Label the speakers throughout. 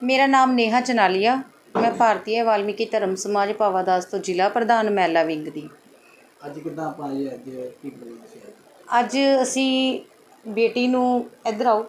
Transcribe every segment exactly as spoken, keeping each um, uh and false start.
Speaker 1: मेरा नाम नेहा चनालिया, मैं भारतीय वाल्मीकि धर्म समाज भावादास तो जिला प्रधान महिला विंग दी।
Speaker 2: ਅੱਜ ਕਿੱਦਾਂ ਆਪਾਂ ਇਹ ਅੱਜ ਕੀ ਪ੍ਰੋਗਰਾਮ ਸੀ?
Speaker 1: ਅੱਜ ਅਸੀਂ ਬੇਟੀ ਨੂੰ ਇੱਧਰ ਆਓ,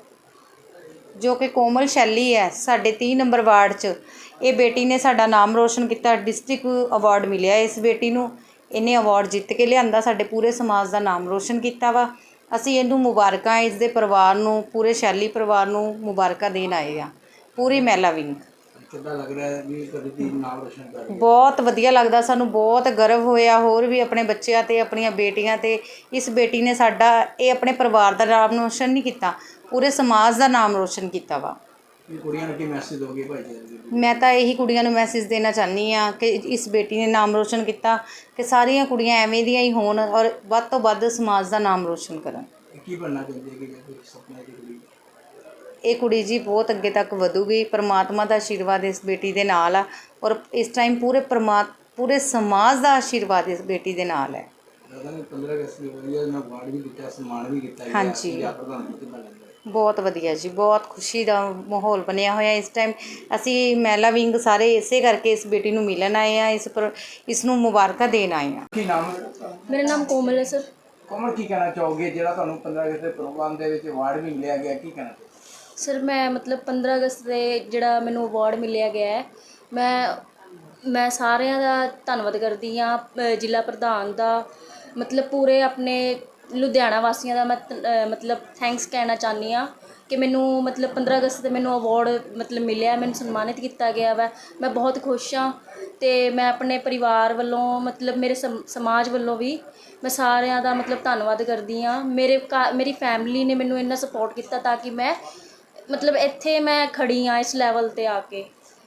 Speaker 1: ਜੋ ਕਿ ਕੋਮਲ ਸ਼ੈਲੀ ਹੈ, ਸਾਡੇ ਤੀਹ ਨੰਬਰ ਵਾਰਡ 'ਚ ਇਹ ਬੇਟੀ ਨੇ ਸਾਡਾ ਨਾਮ ਰੋਸ਼ਨ ਕੀਤਾ। ਡਿਸਟ੍ਰਿਕਟ ਅਵਾਰਡ ਮਿਲਿਆ ਇਸ ਬੇਟੀ ਨੂੰ, ਇਹਨੇ ਅਵਾਰਡ ਜਿੱਤ ਕੇ ਲਿਆਂਦਾ, ਸਾਡੇ ਪੂਰੇ ਸਮਾਜ ਦਾ ਨਾਮ ਰੋਸ਼ਨ ਕੀਤਾ ਵਾ। ਅਸੀਂ ਇਹਨੂੰ ਮੁਬਾਰਕਾਂ, ਇਸ ਦੇ ਪਰਿਵਾਰ ਨੂੰ, ਪੂਰੇ ਸ਼ੈਲੀ ਪਰਿਵਾਰ ਨੂੰ ਮੁਬਾਰਕਾਂ ਦੇਣ ਆਏ ਆ, ਪੂਰੀ ਮਹਿਲਾ ਵਿੰਗ।
Speaker 2: ਕਿੱਦਾਂ ਲੱਗ ਰਿਹਾ ਹੈ ਵੀ ਤੁਹਾਡੀ ਧੀ ਨਾਮ ਰੋਸ਼ਨ ਕਰ ਰਹੀ ਹੈ?
Speaker 1: ਬਹੁਤ ਵਧੀਆ ਲੱਗਦਾ, ਸਾਨੂੰ ਬਹੁਤ ਗਰਵ ਹੋਇਆ, ਹੋਰ ਵੀ ਆਪਣੇ ਬੱਚਿਆਂ 'ਤੇ, ਆਪਣੀਆਂ ਬੇਟੀਆਂ 'ਤੇ। ਇਸ ਬੇਟੀ ਨੇ ਸਾਡਾ, ਇਹ ਆਪਣੇ ਪਰਿਵਾਰ ਦਾ ਨਾਮ ਰੋਸ਼ਨ ਨਹੀਂ ਕੀਤਾ, ਪੂਰੇ ਸਮਾਜ ਦਾ ਨਾਮ ਰੋਸ਼ਨ ਕੀਤਾ ਵਾ।
Speaker 2: ਕੁੜੀਆਂ ਨੂੰ ਕੀ ਮੈਸੇਜ ਦੋਗੇ ਭਾਈ ਜੀ?
Speaker 1: ਮੈਂ ਤਾਂ ਇਹੀ ਕੁੜੀਆਂ ਨੂੰ ਮੈਸੇਜ ਦੇਣਾ ਚਾਹੁੰਦੀ ਹਾਂ ਕਿ ਇਸ ਬੇਟੀ ਨੇ ਨਾਮ ਰੋਸ਼ਨ ਕੀਤਾ, ਕਿ ਸਾਰੀਆਂ ਕੁੜੀਆਂ ਐਵੇਂ ਦੀਆਂ ਹੀ ਹੋਣ ਔਰ ਵੱਧ ਤੋਂ ਵੱਧ ਸਮਾਜ ਦਾ ਨਾਮ ਰੋਸ਼ਨ ਕਰਨ।
Speaker 2: ਕੀ ਬਣਨਾ ਚਾਹੁੰਦੀ ਹੈ ਕਿ ਜੇ ਕੋਈ ਸੁਪਨਾ ਦੀ ਕੁੜੀ?
Speaker 1: ਇਹ ਕੁੜੀ ਜੀ ਬਹੁਤ ਅੱਗੇ ਤੱਕ ਵਧੂਗੀ, ਪਰਮਾਤਮਾ ਦਾ ਆਸ਼ੀਰਵਾਦ ਇਸ ਬੇਟੀ ਦੇ ਨਾਲ ਆ, ਔਰ ਇਸ ਟਾਈਮ ਪੂਰੇ ਪਰਮਾ ਪੂਰੇ ਸਮਾਜ ਦਾ ਆਸ਼ੀਰਵਾਦ ਇਸ ਬੇਟੀ ਦੇ ਨਾਲ ਹੈ।
Speaker 2: ਪੰਦਰਾਂ ਅਗਸਤ ਨੂੰ ਵਧੀਆ ਨਾ ਅਵਾਰਡ ਵੀ ਦਿੱਤਾ, ਸਨਮਾਨ ਵੀ ਕੀਤਾ।
Speaker 1: ਹਾਂਜੀ,
Speaker 2: ਪ੍ਰਧਾਨ ਮੰਤਰੀ ਬਣ ਗਏ।
Speaker 1: ਬਹੁਤ ਵਧੀਆ ਜੀ, ਬਹੁਤ ਖੁਸ਼ੀ ਦਾ ਮਾਹੌਲ ਬਣਿਆ ਹੋਇਆ ਇਸ ਟਾਈਮ। ਅਸੀਂ ਮਹਿਲਾ ਵਿੰਗ ਸਾਰੇ ਇਸੇ ਕਰਕੇ ਇਸ ਬੇਟੀ ਨੂੰ ਮਿਲਣ ਆਏ ਆ, ਇਸ ਪਰ ਇਸ ਨੂੰ ਮੁਬਾਰਕਾਂ ਦੇਣ ਆਏ ਆ।
Speaker 2: ਕੀ ਨਾਮ?
Speaker 3: ਮੇਰਾ ਨਾਮ ਕੋਮਲ ਹੈ ਸਰ।
Speaker 2: ਕੋਮਲ, ਕੀ ਕਹਿਣਾ ਚਾਹੋਗੇ ਜਿਹੜਾ ਤੁਹਾਨੂੰ ਪੰਦਰਾਂ ਅਗਸਤ ਦੇ ਪ੍ਰੋਗਰਾਮ ਦੇ ਵਿੱਚ ਅਵਾਰਡ ਵੀ ਮਿਲਿਆ ਗਿਆ, ਕੀ ਕਹਿਣਾ ਚਾਹੋਗੇ?
Speaker 3: ਸਰ ਮੈਂ ਮਤਲਬ ਪੰਦਰਾਂ ਅਗਸਤ ਦੇ ਜਿਹੜਾ ਮੈਨੂੰ ਅਵਾਰਡ ਮਿਲਿਆ ਗਿਆ ਹੈ, ਮੈਂ ਮੈਂ ਸਾਰਿਆਂ ਦਾ ਧੰਨਵਾਦ ਕਰਦੀ ਹਾਂ, ਜ਼ਿਲ੍ਹਾ ਪ੍ਰਧਾਨ ਦਾ, ਮਤਲਬ ਪੂਰੇ ਆਪਣੇ ਲੁਧਿਆਣਾ ਵਾਸੀਆਂ ਦਾ ਮੈਂ ਮਤਲਬ ਥੈਂਕਸ ਕਹਿਣਾ ਚਾਹੁੰਦੀ ਹਾਂ ਕਿ ਮੈਨੂੰ ਮਤਲਬ ਪੰਦਰਾਂ ਅਗਸਤ 'ਤੇ ਮੈਨੂੰ ਅਵਾਰਡ ਮਤਲਬ ਮਿਲਿਆ, ਮੈਨੂੰ ਸਨਮਾਨਿਤ ਕੀਤਾ ਗਿਆ ਵਾ। ਮੈਂ ਬਹੁਤ ਖੁਸ਼ ਹਾਂ ਅਤੇ ਮੈਂ ਆਪਣੇ ਪਰਿਵਾਰ ਵੱਲੋਂ, ਮਤਲਬ ਮੇਰੇ ਸਮ ਸਮਾਜ ਵੱਲੋਂ ਵੀ ਮੈਂ ਸਾਰਿਆਂ ਦਾ ਮਤਲਬ ਧੰਨਵਾਦ ਕਰਦੀ ਹਾਂ। ਮੇਰੇ ਘਰ ਮੇਰੀ ਫੈਮਿਲੀ ਨੇ ਮੈਨੂੰ ਇੰਨਾ ਸਪੋਰਟ ਕੀਤਾ ਤਾਂ ਕਿ ਮੈਂ ਮਤਲਬ ਇੱਥੇ ਮੈਂ ਖੜੀ ਹਾਂ ਇਸ ਲੈਵਲ 'ਤੇ ਆ ਕੇ।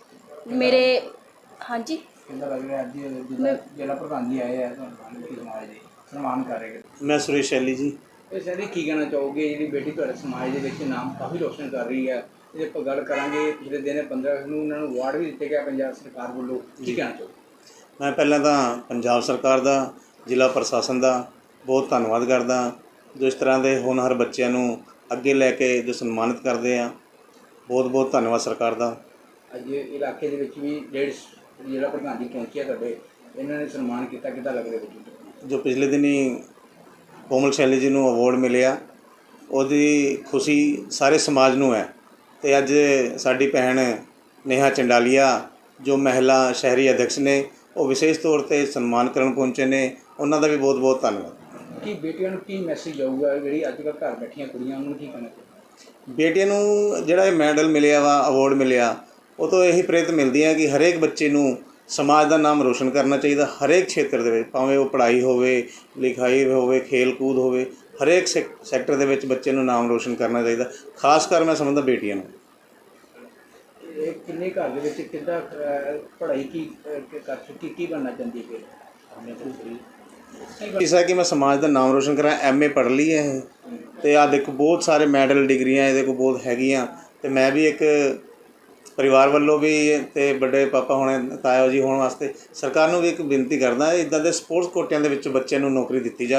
Speaker 3: ਮੇਰੇ ਹਾਂਜੀ
Speaker 2: ਕਿੰਨਾ ਲੱਗ ਰਿਹਾ ਅੱਜ ਜ਼ਿਲ੍ਹਾ ਪ੍ਰਧਾਨ ਜੀ ਆਏ ਆ ਤੁਹਾਨੂੰ ਸਮਾਜ ਦੇ ਸਨਮਾਨ ਕਰ ਰਹੇ?
Speaker 4: ਮੈਂ ਸੁਰੇਸ਼ ਸ਼ੈਲੀ ਜੀ।
Speaker 2: ਇਹ ਸ਼ੈਲੀ, ਕੀ ਕਹਿਣਾ ਚਾਹੋਗੇ ਜਿਹੜੀ ਬੇਟੀ ਤੁਹਾਡੇ ਸਮਾਜ ਦੇ ਵਿੱਚ ਨਾਮ ਕਾਫੀ ਰੋਸ਼ਨ ਕਰ ਰਹੀ ਹੈ? ਜੇ ਆਪਾਂ ਗੱਲ ਕਰਾਂਗੇ ਪਿਛਲੇ ਦਿਨ ਪੰਦਰਾਂ ਅਗਸਤ ਨੂੰ ਉਹਨਾਂ ਨੂੰ ਅਵਾਰਡ ਵੀ ਦਿੱਤੇ ਗਿਆ ਪੰਜਾਬ ਸਰਕਾਰ ਵੱਲੋਂ, ਕੀ ਕਹਿਣਾ ਚਾਹੋਗੇ?
Speaker 4: ਮੈਂ ਪਹਿਲਾਂ ਤਾਂ ਪੰਜਾਬ ਸਰਕਾਰ ਦਾ, ਜ਼ਿਲ੍ਹਾ ਪ੍ਰਸ਼ਾਸਨ ਦਾ ਬਹੁਤ ਧੰਨਵਾਦ ਕਰਦਾ, ਜੋ ਇਸ ਤਰ੍ਹਾਂ ਦੇ ਹੋਣਹਾਰ ਬੱਚਿਆਂ ਨੂੰ ਅੱਗੇ ਲੈ ਕੇ ਜੋ ਸਨਮਾਨਿਤ ਕਰਦੇ ਆ। ਬਹੁਤ ਬਹੁਤ ਧੰਨਵਾਦ ਸਰਕਾਰ ਦਾ।
Speaker 2: ਅੱਜ ਇਲਾਕੇ ਦੇ ਵਿੱਚ ਵੀ ਡੇਢ ਜ਼ਿਲ੍ਹਾ ਪ੍ਰਧਾਨ ਜੀ ਪਹੁੰਚਿਆ ਤੁਹਾਡੇ, ਇਹਨਾਂ ਨੇ ਸਨਮਾਨ ਕੀਤਾ, ਕਿੱਦਾਂ ਲੱਗ ਰਿਹਾ ਬੱਚੇ?
Speaker 4: ਜੋ ਪਿਛਲੇ ਦਿਨੀ ਕੋਮਲ ਸ਼ੈਲੀ ਜੀ ਨੂੰ ਅਵਾਰਡ ਮਿਲਿਆ, ਉਹਦੀ ਖੁਸ਼ੀ ਸਾਰੇ ਸਮਾਜ ਨੂੰ ਹੈ। ਅਤੇ ਅੱਜ ਸਾਡੀ ਭੈਣ ਨੇਹਾ ਚੰਡਾਲੀਆ ਜੋ ਮਹਿਲਾ ਸ਼ਹਿਰੀ ਅਧਿਕਸ਼ ਨੇ, ਉਹ ਵਿਸ਼ੇਸ਼ ਤੌਰ 'ਤੇ ਸਨਮਾਨ ਕਰਨ ਪਹੁੰਚੇ ਨੇ, ਉਹਨਾਂ ਦਾ ਵੀ ਬਹੁਤ ਬਹੁਤ ਧੰਨਵਾਦ।
Speaker 2: ਕੀ ਬੇਟੀਆਂ ਨੂੰ ਕੀ ਮੈਸੇਜ ਆਊਗਾ ਜਿਹੜੀ ਅੱਜ ਕੱਲ੍ਹ ਘਰ ਬੈਠੀਆਂ ਕੁੜੀਆਂ, ਉਹਨੂੰ ਕੀ ਕਹਿਣਾ ਚਾਹੀਦਾ?
Speaker 4: ਬੇਟੀਆਂ ਨੂੰ ਜਿਹੜਾ ਇਹ ਮੈਡਲ ਮਿਲਿਆ ਵਾ, ਅਵਾਰਡ ਮਿਲਿਆ, ਉਹ ਤੋਂ ਇਹੀ ਪ੍ਰੇਰਿਤ ਮਿਲਦੀ ਹੈ ਕਿ ਹਰੇਕ ਬੱਚੇ ਨੂੰ ਸਮਾਜ ਦਾ ਨਾਮ ਰੋਸ਼ਨ ਕਰਨਾ ਚਾਹੀਦਾ, ਹਰੇਕ ਖੇਤਰ ਦੇ ਵਿੱਚ, ਭਾਵੇਂ ਉਹ ਪੜ੍ਹਾਈ ਹੋਵੇ, ਲਿਖਾਈ ਹੋਵੇ, ਖੇਲ ਕੂਦ ਹੋਵੇ, ਹਰੇਕ ਸੈਕ ਸੈਕਟਰ ਦੇ ਵਿੱਚ ਬੱਚੇ ਨੂੰ ਨਾਮ ਰੋਸ਼ਨ ਕਰਨਾ ਚਾਹੀਦਾ। ਖਾਸ ਕਰ ਮੈਂ ਸਮਝਦਾ ਬੇਟੀਆਂ ਨੂੰ।
Speaker 2: ਇਹ ਕਿੰਨੇ ਘਰ ਦੇ ਵਿੱਚ ਕਿੱਦਾਂ ਪੜ੍ਹਾਈ ਕੀ ਕਰ ਚੁੱਕੀ, ਕੀ ਬਣਨਾ ਚਾਹੁੰਦੀ ਫਿਰ?
Speaker 4: ਇਸ ਹੈ ਕਿ ਮੈਂ ਸਮਾਜ ਦਾ ਨਾਮ ਰੋਸ਼ਨ ਕਰਾਂ। ਐਮ ਏ ਪੜ੍ਹ ਲਈ ਹੈ ਇਹ, ਅਤੇ ਆਹ ਦੇਖੋ ਬਹੁਤ ਸਾਰੇ ਮੈਡਲ, ਡਿਗਰੀਆਂ ਇਹਦੇ ਕੋਲ ਬਹੁਤ ਹੈਗੀਆਂ। ਅਤੇ ਮੈਂ ਵੀ ਇੱਕ ਪਰਿਵਾਰ ਵੱਲੋਂ ਵੀ ਅਤੇ ਵੱਡੇ ਪਾਪਾ ਹੋਣੇ, ਤਾਇਆ ਜੀ ਹੋਣ ਵਾਸਤੇ ਸਰਕਾਰ ਨੂੰ ਵੀ ਇੱਕ ਬੇਨਤੀ ਕਰਦਾ, ਇੱਦਾਂ ਦੇ ਸਪੋਰਟਸ ਕੋਟਿਆਂ ਦੇ ਵਿੱਚ ਬੱਚਿਆਂ ਨੂੰ ਨੌਕਰੀ ਦਿੱਤੀ ਜਾਵੇ।